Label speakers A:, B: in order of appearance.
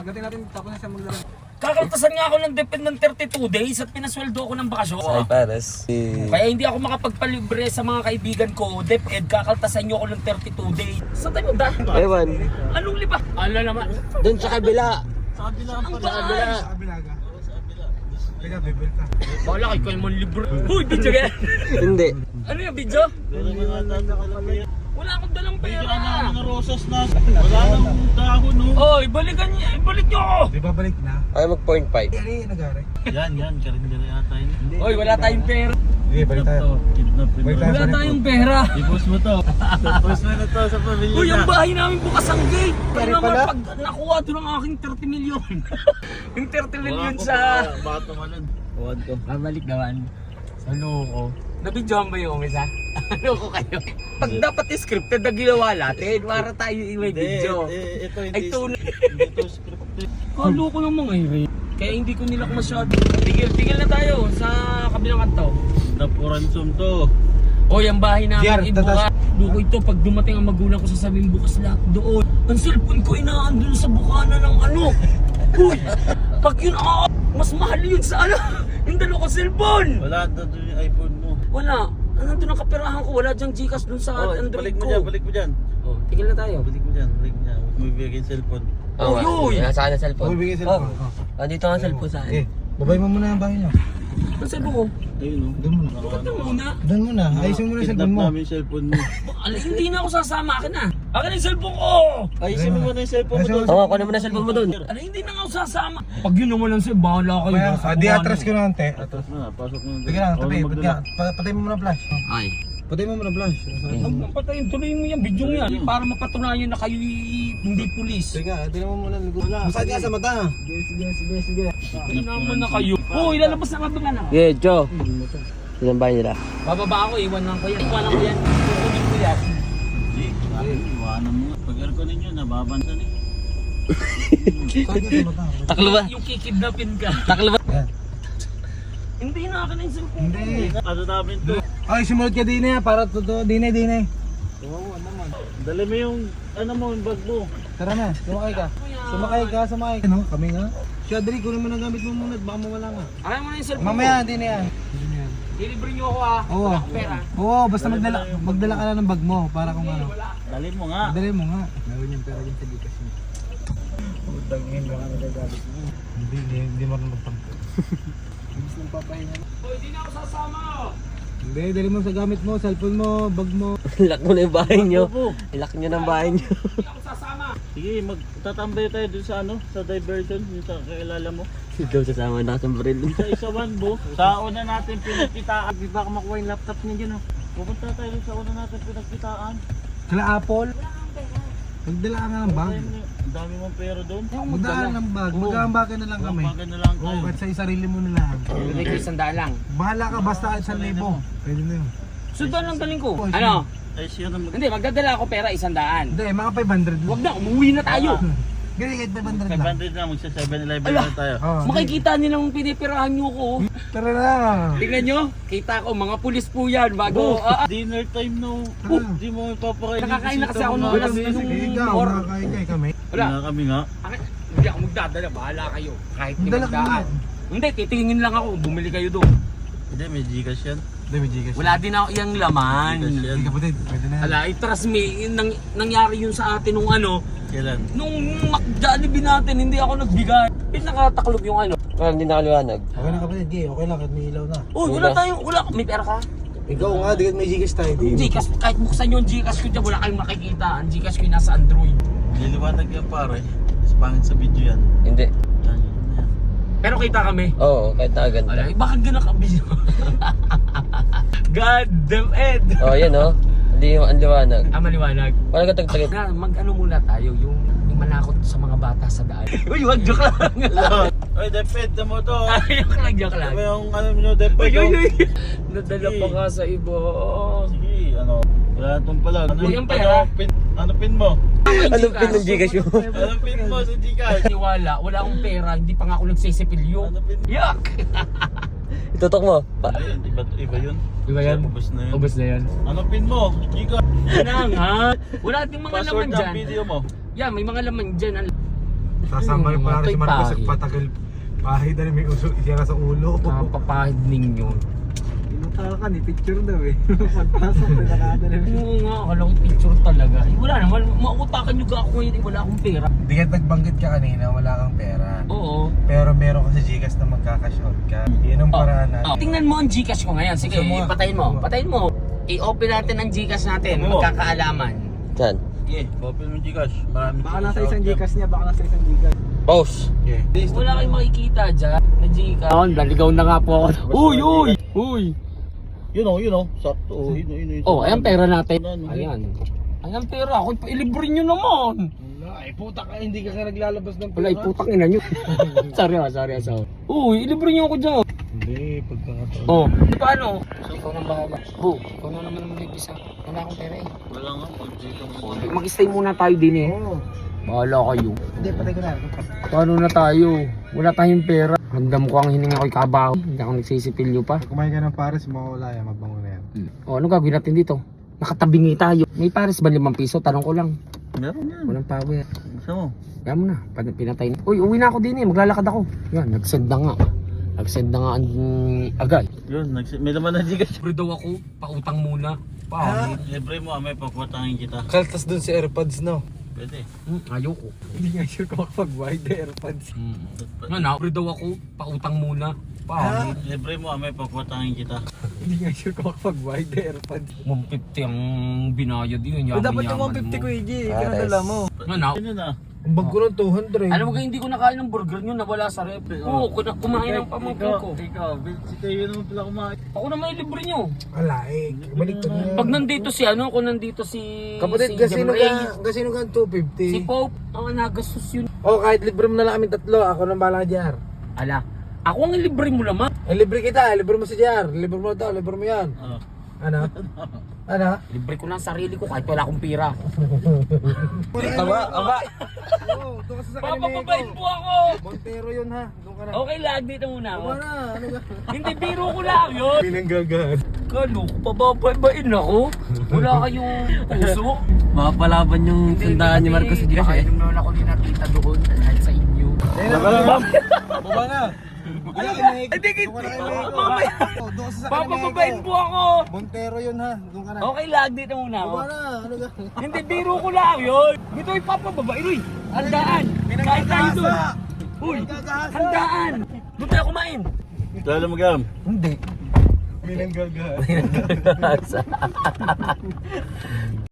A: Pagdating natin, tapos na siya maglaro.
B: Kakaltasan nga ako ng depend ng 32 days at pinasweldo ako ng bakasyon.
C: Ay, pares.
B: Kaya hindi ako makapagpalibre sa mga kaibigan ko. DepEd, kakaltasan nyo ako ng 32 days. Saan tayo magdaan?
C: Ewan.
B: Anong liba? Ano naman?
C: Doon sa kabila.
B: Sa kabila ang
C: Sa kabila.
A: Sa Abilaga. Teka, bibel ka.
B: Bala kayo kayo man libre. Uy, video ka.
C: Hindi.
B: Ano yung video? Wala akong dalang pera.
D: Mga rosas na. Wala nang dahon, no?
B: Oy, balikan niya. Ibalik niyo ako.
A: Di ba balik na?
C: Ay, mag-0.5.
A: Ano yung nagari?
D: Yan. Karindira yata yun.
B: Oy, wala tayong pera.
A: Sige, balik tayo.
D: Kidnap
A: Balik tayo.
B: Wala tayong pera.
D: I-post mo to. Post mo na to sa pamilya
B: Uy, ang
D: na.
B: bahay namin bukas ang gate. Kaya
A: Pare
B: naman
A: pala.
B: pag nakuha doon ang aking 30 million. Yung 30 million sa...
D: Baka tumalon. Huwag ko.
B: Babalik naman. Sa loko. Nabidyohan ba yung isa? Loko kayo. Pag dapat scripted na ginawa natin, para tayo may video.
D: Ito
B: Ay, tunay.
D: Hindi to scripted.
B: Loko naman ngayon. Kaya hindi ko nila masyado. Tigil na tayo sa kabilang kanto.
D: Napuran zoom to.
B: Oy, ang bahay
A: Jer,
B: namin ibuka. Loko ito, pag dumating ang magulang ko sasabihin bukas lahat doon. Ang cellphone ko inaandun sa bukana ng ano. Uy, pag yun mas mahal yun sa ano. Yung dalawa ko cellphone.
D: Wala doon yung iPhone mo.
B: Wala. Nandun ang kaperahan ko. Wala dyang Gcash dun sa
D: Oh,
B: Android
D: balik mo
B: ko.
D: dyan, balik mo dyan.
B: Oh, tigil na tayo.
D: Balik mo dyan. Huwag mo ibigay yung cellphone.
B: Oh, yun.
C: Nasa akin ang cellphone.
A: Huwag bigay
C: Oh,
A: cellphone.
C: andito ang cellphone sa
A: Eh,
C: akin.
A: babay mo muna ang bahay niyo.
B: Ang cellphone ko.
D: Ayun, no?
A: Doon muna.
B: Ito muna.
A: Doon muna. Ayusin mo na yung
D: Kidnap
A: cellphone mo.
D: namin yung cellphone mo.
B: Hindi na ako sasama. Akin na. Akin na yung cellphone ko.
D: Ayusin mo muna yung cellphone mo doon.
C: Oo, kunin mo na yung cellphone mo doon.
B: Hindi na nga ako sasama. Pag yun naman lang sa'yo, bahala kayo.
A: Kaya, di atras ko na ante.
D: Atras na, pasok mo na.
A: Sige lang,
D: Ako
A: tabi.
D: na magdala.
A: Patay mo muna flash.
B: Ay.
A: Patay mo muna flash.
B: Huwag mong patayin. Tuloy mo yan. Video yan. Para mapatunayan na kayo hindi pulis.
A: Sige, tingnan mo muna. Masakit nga sa mata. Sige.
B: Hindi naman na kayo. Oh, ilalabas na ka na.
C: Yeah, Joe. Ilan bahay nila?
B: Bababa ako. Iwan lang ko yan. Iwanan ko yan. Kukunin ko yan.
D: Hindi, iwanan mo. Pag aircon ninyo, nababansan eh.
A: Sakit nga sa mata.
C: Taklo ba?
B: Yung kikidnapin ka.
C: Taklo ba?
A: Yan.
B: Hindi na akin na yung cellphone.
A: Hindi.
D: Ano namin to?
A: Ay, sumunod ka din para totoo. Dine.
D: Dali mo yung, ano mo, yung bag mo.
A: Tara na, sumakay ka. Sumakay ka. Ano, kami nga. Siya, dali, kunin mo na gamit mo muna at baka mawala nga.
B: Akin mo na yung cellphone
A: Mamaya,
B: ko.
A: hindi na yan.
B: Dilibre nyo ako ah.
A: Oo.
B: Wala akong pera.
A: Oo, basta magdala ka na ng bag mo para kung ano.
D: Dali mo nga.
A: Dali mo nga. Meron yung pera dyan sa Gcash mo. Utangin mo nga nagagamit mo. Hindi marunong magpangko. Ibig nang papahinga.
B: Hoy, di na ako sasama.
A: Hindi, dali mo sa gamit mo, cellphone mo, bag mo.
C: Lock mo na yung bahay nyo. Lock nyo ng bahay nyo.
B: Di ako sasama.
D: Sige, magtatambay tayo dun sa ano, sa diversion, yung sa kakilala mo.
C: Ikaw sasama na sa baril.
D: Sa isawan bo, sa una natin pinagkitaan. Di ba makuha yung laptop niya dyan oh. Pupunta tayo dun sa una natin pinagkitaan.
A: Kala Apple. Magdala ka nga ng bag.
D: Ang dami mong pera doon.
A: Magdala ng bag. Mag-aambag ka na lang kami.
D: Bagan na lang
A: Oo,
D: tayo.
A: kahit sa sarili mo na lang.
B: Bili ko 100 lang.
A: Bahala ka basta 1,000. Pwede na yun.
B: Sundan lang galing ko. Ano?
D: Ay siya na mag...
B: Hindi, magdadala ako pera 100.
A: Hindi, mga 500 lang.
B: Huwag na, umuwi na tayo.
A: Ganyan, kahit 500 lang.
D: 500 na, magsa 7-Eleven
B: Ala.
D: na tayo.
A: Oo.
B: Makikita nilang pinipirahan nyo ko.
A: Tara na.
B: Tingnan nyo, kita ko, mga pulis po yan bago.
D: Dinner time no.
A: Tara.
D: Di mo ipapakain.
B: Nakakain na kasi ako nung
A: Wala,
B: alas
A: sige,
B: nung
A: ikaw,
B: or.
A: makakain kayo kami.
B: Wala.
D: Wala kami nga.
B: Hindi ako magdadala, bahala kayo. Kahit
A: Magdala ka
B: magdaan. Hindi, titingin lang ako, bumili kayo doon.
D: Hindi, may Gcash yan.
A: Hindi, may Gcash.
B: Wala din ako iyang laman.
D: Gcash yan.
A: Hindi kapatid, pwede na yan.
B: Ala, trust me, nangyari yun sa atin nung ano,
D: Kailan?
B: nung Jollibee natin, hindi ako nagbigay. Pinakataklob yung ano.
C: Parang hindi nakaliwanag.
A: Okay lang kapatid, Gay. Okay lang, kahit may ilaw na.
B: Uy, wala, may pera ka?
A: Ikaw nga, di may Gcash tayo.
B: Gcash, kahit buksan yung Gcash ko dyan, wala kayong makikita. Ang Gcash ko yung nasa Android.
D: Liliwanag yan pare. Mas pangit sa video yan.
C: Hindi.
D: Yan, yan.
B: Pero kita kami.
C: Oo, kahit nakaganda.
B: Ala, bakit ganun ka video? God damn it!
C: Oh, yan oh. Hindi ang liwanag.
B: Maliwanag.
C: Walang katagtagit.
B: Na, mag-ano muna tayo, yung manakot sa mga bata sa daan. Uy, wag, joke lang.
D: Oy, deped mo to.
B: Joke lang, joke lang.
D: Ano yung ano nyo, deped
B: Uy,
D: oh.
B: uy, uy. Nadala pa ka sa iba.
D: Sige, ano. Wala itong pala. Ano,
B: Uy, ang pera.
D: ano pin mo?
C: Anong pin ng Gcash mo?
D: Anong pin mo sa Gcash?
B: Niwala, wala akong pera, hindi pa nga ako nagsisipilyo.
D: Ano pin mo?
B: Yuck!
C: Itutok mo.
D: Ayun, iba yun.
B: Iba yan?
D: Ubus na yun.
B: Ubus na yan.
D: Ano pin mo? Gcash.
B: Wala nga. Wala ding mga laman
D: Password ng
B: dyan.
D: video mo.
B: Yeah, may mga laman dyan.
A: Sasama rin pala si Marcos
B: Pahid.
A: at patagal. Pahid na rin may uso isira sa ulo.
B: Papahid ninyo.
A: Pinutaka ni picture daw eh. Pagpasok na nakadala.
B: Oo nga, akala ko picture talaga. Eh, wala naman, maukutakan nyo ako ngayon, eh, wala akong pera.
A: Hindi ka nagbanggit ka kanina, wala kang pera.
B: Oo.
A: Pero meron ka sa Gcash na magkakashot ka. Yun ang paraan natin.
B: Tingnan mo ang Gcash ko ngayon. Sige,
A: Gusto mo?
B: patayin mo. Patayin mo. I-open natin ang Gcash natin.
D: Oo.
B: Magkakaalaman.
C: Saan?
D: Okay, open mo Gcash. Marami
A: Baka nasa isang Gcash niya, baka nasa isang Gcash.
C: Pause.
A: Yeah.
B: Wala kayong makikita dyan na Gcash. Naligaw na nga po ako. Uy, uy! Uy!
D: Yun o. Sakto. Oh, yun.
B: Oh, ayan pera natin.
D: Ano?
B: Ayan. Ayan pera. Ako, ilibre nyo naman.
A: Wala, ay puta ka, hindi ka naglalabas ng
B: Wala, putang ina nyo. sorry. Uy, ilibre nyo ako dyan.
A: Hindi, pagkakataon.
B: Oh, paano? Ikaw nang bahala. Oh, ikaw na naman ang mag-isa. Wala akong pera eh.
D: Wala nga. Pag-dito mo.
B: Mag-stay muna tayo din eh.
A: Oo.
B: Bahala kayo.
A: Hindi, patay ko na.
B: Paano na tayo? Wala tayong pera. Ramdam ko ang hininga ko'y kabaho. Hindi ako nagsisipilyo pa.
A: Kumain ka ng pares, mawawala yan, magbango na yan.
B: O, ano gagawin natin dito? Nakatabingi tayo. May pares ba 5 piso? Tanong ko lang.
D: Meron yan.
B: Walang power.
D: Gusto mo?
B: Kaya mo na. Pinatay na. Uy, uwi na ako din eh. Maglalakad ako. Yan, nag-send na nga. Nag-send na nga ang agay.
D: Yun, may naman na Gcash.
B: Libre daw ako. Pautang muna. Pangit.
D: Libre mo, may pakwatangin kita.
A: Kaltas dun si AirPods, no?
D: Pwede.
B: Ayoko.
A: Hindi nga sure kung makapag-wide the AirPods.
B: Ano, libre daw ako. Pautang muna. Pangit.
D: Libre mo, may pakwatangin kita.
A: Hindi nga sure kung makapag-wide the AirPods.
B: 150 ang binayad yun.
A: Dapat yung 150 ko, EJ. Kinadala mo.
B: Ano?
D: Ano na?
A: Ang bag ko ng 200.
B: Alam mo kayo, hindi ko nakain ng burger nyo, nawala sa rep. Oo, kumain ng pamangkin ko.
D: Ikaw, si Tayo naman pala kumain.
B: Ako na may libre nyo.
A: Alaik. Balik to niya.
B: Pag nandito si ano, kung nandito si...
A: Kapatid,
B: si
A: gasino
B: Jamray,
A: ka, gasino ka ng 250.
B: Si Pope, ang nagastos yun.
A: Oh, kahit libre mo na lang kami tatlo, ako nang bahala JR.
B: Ala, ako ang libre mo naman.
A: Eh, libre kita, libre mo si JR. Libre mo to, libre mo yan.
D: Oh.
A: Ano? Ano?
B: Libre ko lang sarili ko kahit wala akong pira.
A: Aba. Oo, doon ka sa
B: Papababain po ako!
A: Montero yun ha, doon ka na.
B: Okay lang, dito muna ako.
A: Aba na, ano ka?
B: Hindi, biro ko lang yun.
A: Pinanggagahan.
B: Kalo, pababain ako. Wala kayong puso.
C: Makapalaban yung tandaan ni Marcos sa Gcash eh.
B: Kaya naman ako din nakita doon kahit sa inyo.
A: Baba na.
B: Hindi, mamaya.
A: Doon ka sa
B: Papababain po ako.
A: Montero yun ha, doon ka na.
B: Okay lang, dito muna ako.
A: Aba na, ano ka?
B: Hindi, biro ko lang yun. Dito ipapababain. Uy, handaan. Kain tayo doon. Uy, handaan. Doon tayo kumain.
D: Lalo magam.
B: Hindi.
A: Pinanggagahan.